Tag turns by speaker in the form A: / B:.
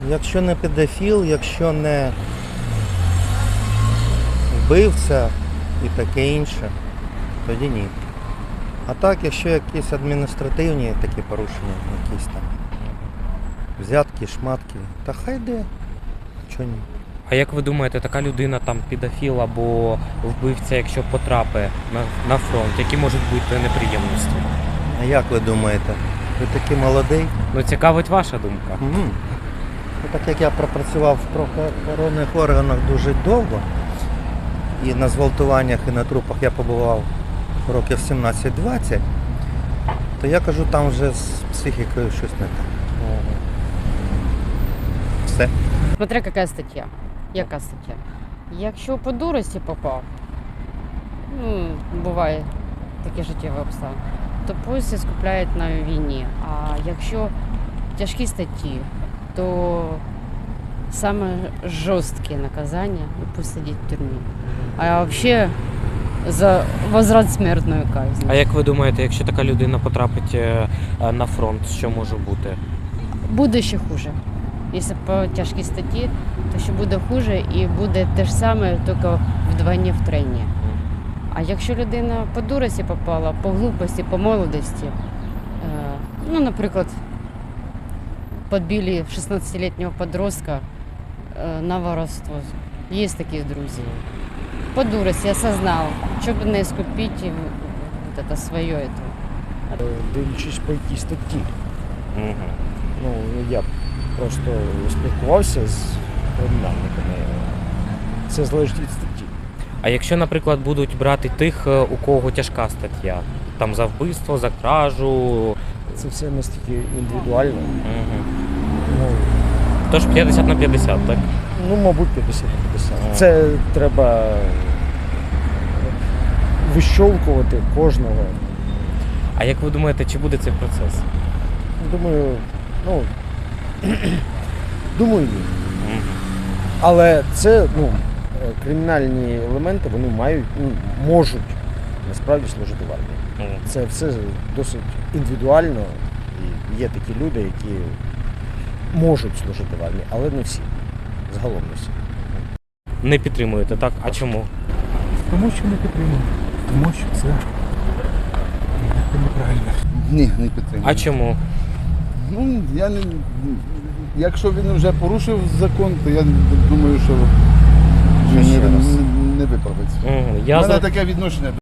A: Якщо не педофіл, якщо не вбивця і таке інше, тоді ні. А так, якщо якісь адміністративні такі порушення, якісь там взятки, шматки, та хай йде, чого ні.
B: А як ви думаєте, така людина, там педофіл або вбивця, якщо потрапить на фронт, які можуть бути неприємності?
A: А як ви думаєте? Ви такий молодий?
B: Ну, цікавить ваша думка.
A: Угу. Так як я пропрацював в правоохоронних органах дуже довго, і на зґвалтуваннях, і на трупах я побував років 17-20, то я кажу, там вже з психікою щось не так. Все.
C: Смотря яка стаття. Яка стаття? Якщо по дурості попав, буває такі життєві обставини, то пусть скупляють на війні. А якщо тяжкі статті, то саме жорсткі наказання, пусть сидить в тюрмі. А взагалі за возврат смертної казни.
B: А як ви думаєте, якщо така людина потрапить на фронт, що може бути?
C: Буде ще хуже. Якщо по тяжкій статті, то ще буде хуже і буде те ж саме, тільки вдвойне, втройне. А якщо людина по дурості попала, по глупості, по молодості, наприклад, підбили 16-літнього подростка на воровство. Є такі друзі. По дурості осознав, щоб не скупити вот это своє.
D: Дивлячись по якій статті. Я просто спілкувався з кримінальниками. Це залежить від статті.
B: А якщо, наприклад, будуть брати тих, у кого тяжка стаття, там за вбивство, за кражу?
D: Це все настільки індивідуально.
B: Тож 50 на 50, так?
D: Мабуть, 50 на 50. Це треба вищовкувати кожного.
B: А як ви думаєте, чи буде цей процес?
D: Думаю, ні. Але це, кримінальні елементи, вони можуть насправді служити в армії. Це все досить індивідуально, і є такі люди, які можуть служити в армії, але не всі. Загалом не всі.
B: Не підтримуєте, так? А чому?
E: Тому що не підтримую. Тому що це неправильно.
F: Ні, не підтримую.
B: А чому?
F: Я не... Якщо він вже порушив закон, то я думаю, що він не виправиться. У мене таке відношення.